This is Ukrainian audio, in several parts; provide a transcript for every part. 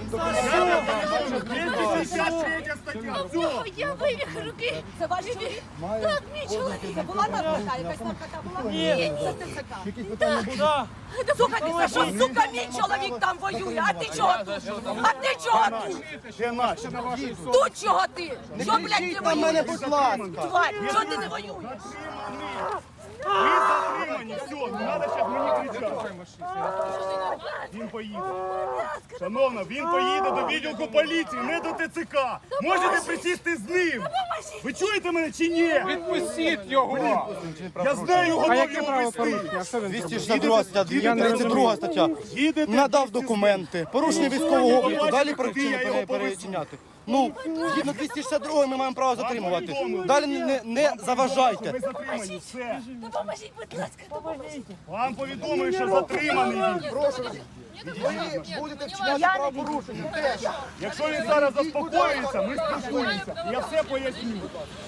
253 стаття. Все. Я вивіх руки. Це ваш чоловік? Так, мій чоловік. Це була наркота? Якась наркота була? Ні, це ТЦК. Так. Слухайте, що, сука, мій чоловік там воює, а ти чого тут? А ти чого тут? Де наші? Тут чого ти? Що, блядь, ти на мене, воюєш? будь ласка. Тварь, чого ти не воюєш? Ви затримані, все, не треба зараз мені кричати. Він поїде. Шановна, він поїде до відділку поліції, не до ТЦК. Можете присісти з ним. Ви чуєте мене чи ні? Відпустіть його! Я знаю, готов його вести. 262 стаття, 232 стаття. Надав документи, порушення військового обліку, далі причини перечиняти. Ну, згідно 262 ми маємо право затримувати. Далі не заважайте. Ви затримані, все. Допоможіть, будь ласка, допоможіть. Вам повідомили, що затриманий він. Ви будете вчиняти правопорушення. Якщо він зараз заспокоїться, ми спілкуємося. Я все поясню.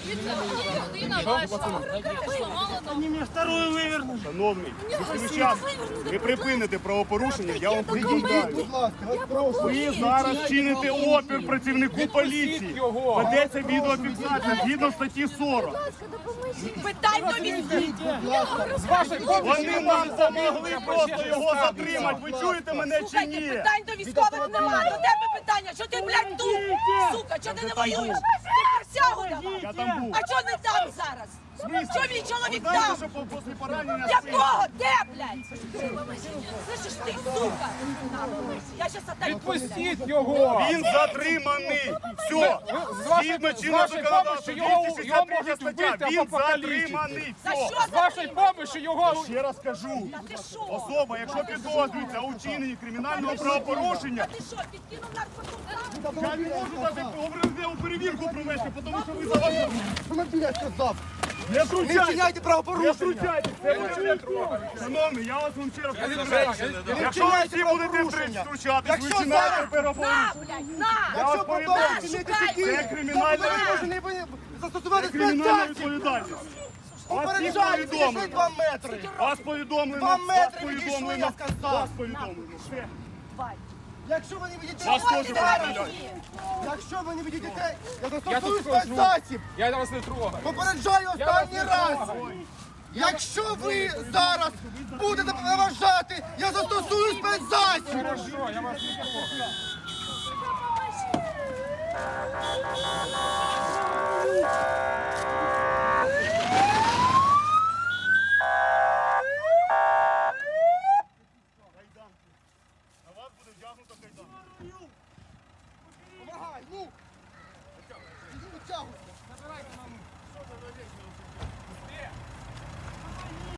Шановний, якщо зараз ви припините правопорушення, я вам пред'являю. Будь ласка, вас прошу. Ви зараз чините опір працівнику поліції. Ведеться відеофіксація згідно статті 40. Питань до військових. Вони нам допомогли просто його затримати. Ви чуєте мене чи Слухайте, ні? питань до військових нема. До тебе питання. Що ти, блядь, тут? Сука, чого ти не воюєш? Ти присягу давай. Я там був. А чого не там зараз? Що мій чоловік Знаєте, там? що після поранення Якого? Де, блядь? Слышиш ти, сука? Я щас отдаю. Відпустіть його! Він затриманий. Все. Згідно чинного законодавства, його 263 можуть стаття. вбити Він або покалічити. затриманий. За Все. що З вашої допомоги його... Ще раз кажу. Ти що? Особа, якщо підозрюється у вчиненні кримінального правопорушення, Ти що, підкинув наркоту? я не можу навіть оперативну перевірку провести, тому що ви заважаєте. Що ви, блядь, сказав? Не Не втручайтесь! вчиняйте Не правопорушення. втручайтесь! Це буде шановний, я вас вам ще раз кажу. Не Якщо ви вчиняйте всі будете правопорушення. втручатись, ви Якщо вчинаєте зараз- переговорити. На, блядь, на! Я вас Якщо повідомлю, продовжуєте чинити такі, це кримінальна то ви повинні застосувати кримінальна спецзасіб. відповідальність. Вас всіх Попереджаю, підійшли повідомлено. 2 метри. Вас повідомлено. 2 Вас метри відійшли, повідомлено. я сказав. Вас повідомлено. Все. Давай. Якщо ви не відійдете, Вас теж Давай, повідомляють. якщо ви не відійдете, я Я застосую тут скажу. спецзасіб. Я вас не трогаю. Попереджаю останній раз. Якщо ви зараз будете заважати, я застосую спецзасіб. Хорошо, я вас не трогаю. На вас буде вдягнуто кайдан. Помагай, ну. Витягуйся.